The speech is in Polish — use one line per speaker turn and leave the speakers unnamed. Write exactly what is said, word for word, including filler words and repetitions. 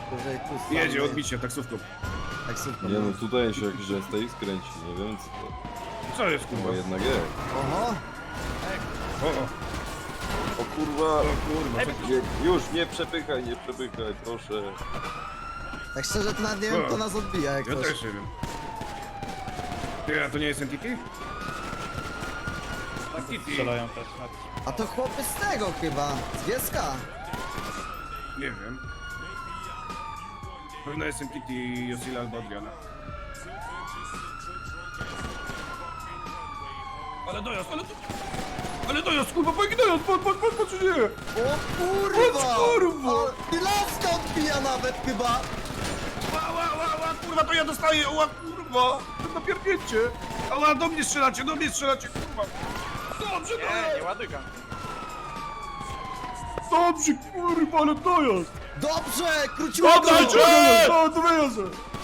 Wyżej tu stanie.
Jedzie, odbicie, taksówką.
Taksówką.
Nie no, tutaj się jakiś S T X kręci, nie wiem co to.
Co jest,
Chyba
kurwa?
jednak jest.
Oho!
O, o,
O kurwa!
o kurwa, co ty?
Nie, już, nie przepychaj, nie przepychaj, proszę.
Tak szczerze to nawet nie wiem, kto nas odbija jak
Ja
ktoś.
też nie wiem. Ty, a to nie jest N T T? N T T?
Strzelają też na...
A to chłopy z tego chyba, z Gieska.
Nie wiem. Pewno jest N T T Josila albo Adriana. Ale dojazd, ale dojazd! Ale dojazd, kurwa, pojki dojazd, patrz, patrz, patrz, patrz, nie!
O kurwa!
O kurwa!
O, i laska odbija nawet chyba!
Ła, ła, ła, ła, kurwa, to ja dostaję, ła, kurwa! To napierdnięcie! Ała, do mnie strzelacie, do mnie strzelacie, kurwa! Dobrze,
Nie,
dojazd!
nie ładuj gang.
Dobrze, kurwa, ale dojazd!
Dobrze! Króciutko!
Oddajcie! O, to wyjazd!